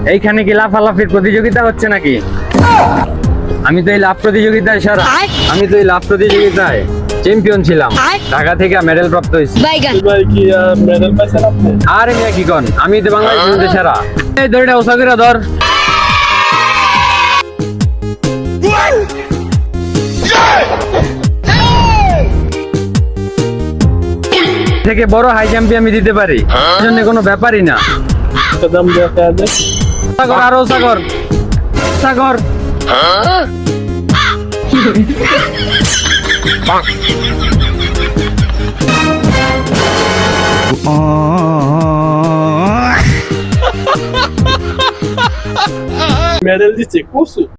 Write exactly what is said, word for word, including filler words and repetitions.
এইখানে কি লাফালাফির প্রতিযোগিতা হচ্ছে নাকি? আমি তো এই লাফ প্রতিযোগিতায় সেরা। আমি তো এই লাফ প্রতিযোগিতায় চ্যাম্পিয়ন ছিলাম, ঢাকা থেকে মেডেল প্রাপ্ত হয়েছি। ভাই কি মেডেল পাইছেন আপনি? আরে মিয়া কি কন, আমি তো বাংলাদেশের মধ্যে সেরা। এই দড়িটা ওসা করে ধর। থেকে বড় হাই জাম্পি আমি দিতে পারি, এর জন্য কোনো ব্যাপারই না। কদম দেখা যায় সাগর আরো সাগর সাগর মেডেল দিচ্ছে কুসু।